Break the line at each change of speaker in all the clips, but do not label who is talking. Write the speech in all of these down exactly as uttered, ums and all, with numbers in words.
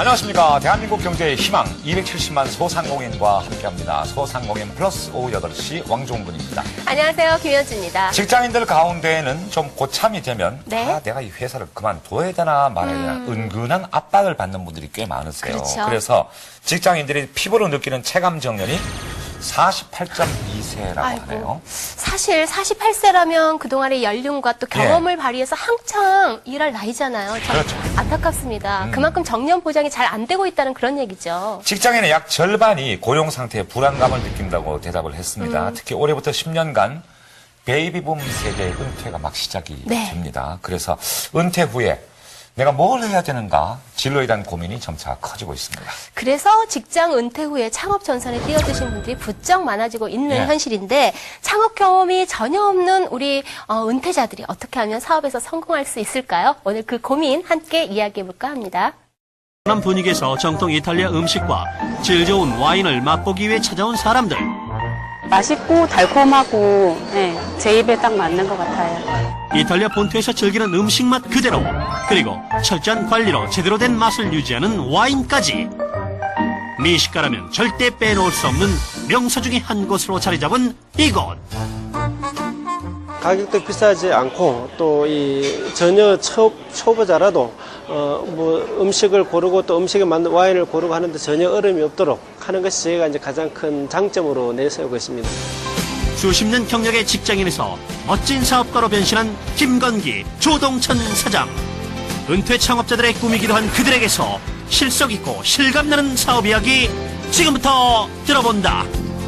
안녕하십니까. 대한민국 경제의 희망 이백칠십만 소상공인과 함께합니다. 소상공인 플러스 오후 여덟 시 왕종근입니다.
안녕하세요. 김현주입니다.
직장인들 가운데에는 좀 고참이 되면
네.
아, 내가 이 회사를 그만둬야 되나 말아야 되나
음.
은근한 압박을 받는 분들이 꽤 많으세요.
그렇죠.
그래서 직장인들이 피부로 느끼는 체감 정년이 사십팔 점 이 세라고
아이고,
하네요.
사실 사십팔 세라면 그동안의 연륜과 또 경험을 예. 발휘해서 한창 일할 나이잖아요. 참
그렇죠.
안타깝습니다.
음.
그만큼 정년 보장이 잘 안 되고 있다는 그런 얘기죠.
직장인의 약 절반이 고용 상태에 불안감을 느낀다고 대답을 했습니다. 음. 특히 올해부터 십 년간 베이비붐 세대의 은퇴가 막 시작이
네.
됩니다. 그래서 은퇴 후에 내가 뭘 해야 되는가 진로에 대한 고민이 점차 커지고 있습니다.
그래서 직장 은퇴 후에 창업 전선에 뛰어드신 분들이 부쩍 많아지고 있는
예.
현실인데 창업 경험이 전혀 없는 우리 어, 은퇴자들이 어떻게 하면 사업에서 성공할 수 있을까요? 오늘 그 고민 함께 이야기해볼까 합니다.
남 분위기에서 정통 이탈리아 음식과 질 좋은 와인을 맛보기 위해 찾아온 사람들.
맛있고 달콤하고 네, 제 입에 딱 맞는 것 같아요.
이탈리아 본토에서 즐기는 음식 맛 그대로, 그리고 철저한 관리로 제대로 된 맛을 유지하는 와인까지. 미식가라면 절대 빼놓을 수 없는 명소 중의 한 곳으로 자리 잡은 이곳.
가격도 비싸지 않고 또 이 전혀 초, 초보자라도 어 뭐 음식을 고르고 또 음식에 맞는 와인을 고르고 하는데 전혀 어려움이 없도록 하는 것이 저희가 이제 가장 큰 장점으로 내세우고 있습니다.
수십 년 경력의 직장인에서 멋진 사업가로 변신한 김건기, 조동천 사장. 은퇴 창업자들의 꿈이기도 한 그들에게서 실속 있고 실감나는 사업 이야기 지금부터 들어본다.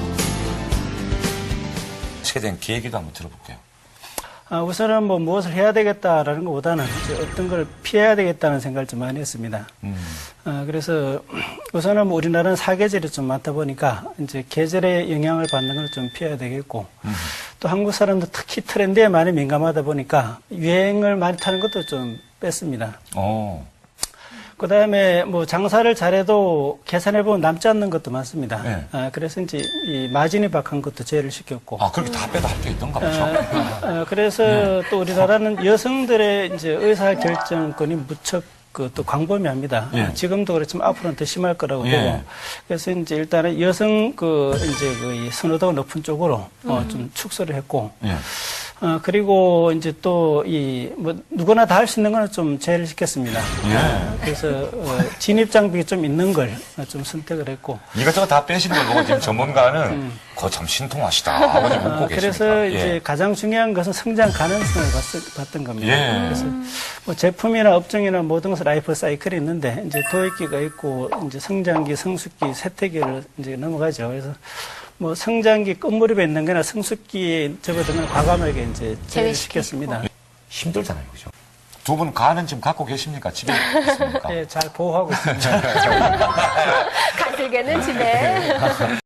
세대인 계기도 한번 들어볼게요.
아, 우선은 뭐 무엇을 해야 되겠다라는 것보다는 이제 어떤 걸 피해야 되겠다는 생각을 좀 많이 했습니다.
음.
아, 그래서 우선은 뭐 우리나라는 사계절이 좀 많다 보니까 이제 계절의 영향을 받는 걸 좀 피해야 되겠고
음.
또 한국 사람도 특히 트렌드에 많이 민감하다 보니까 유행을 많이 타는 것도 좀 뺐습니다.
어.
그 다음에 뭐 장사를 잘해도 계산해보면 남지 않는 것도 많습니다.
네.
아, 그래서 이제 이 마진이 박한 것도 제외를 시켰고.
아, 그렇게 다 빼도 합쳐 있던가 보죠.
어, 어, 그래서 네. 또 우리나라는 여성들의 이제 의사 결정권이 무척 그 또 광범위합니다.
예.
지금도 그렇지만 앞으로는 더 심할 거라고
예.
보고. 그래서 이제 일단은 여성 그 이제 그 선호도가 높은 쪽으로 음. 어, 좀 축소를 했고.
예.
어, 그리고 이제 또 이 뭐 누구나 다 할 수 있는 거는 좀 제외를 시켰습니다.
예.
어, 그래서 어, 진입 장벽이 좀 있는 걸 좀 선택을 했고.
이것저것 다 빼시는 걸 보고 지금 전문가는
음.
그거 참 신통하시다. 아버님 웃고
어,
계십니다.
그래서
예.
이제 가장 중요한 것은 성장 가능성을 봤, 봤던 겁니다.
예.
그래서 뭐 제품이나 업종이나 모든 것은 라이프 사이클이 있는데 이제 도입기가 있고 이제 성장기, 성숙기, 쇠퇴기를 이제 넘어가죠. 그래서 뭐 성장기 끝무렵에 있는 거나 성숙기에 접어드는 과감하게 이제 제외시켰습니다.
힘들잖아요, 그죠? 두 분 간은 지금 갖고 계십니까? 집에 있습니까?
예, 잘 보호하고 있습니다.
간슬개는 집에.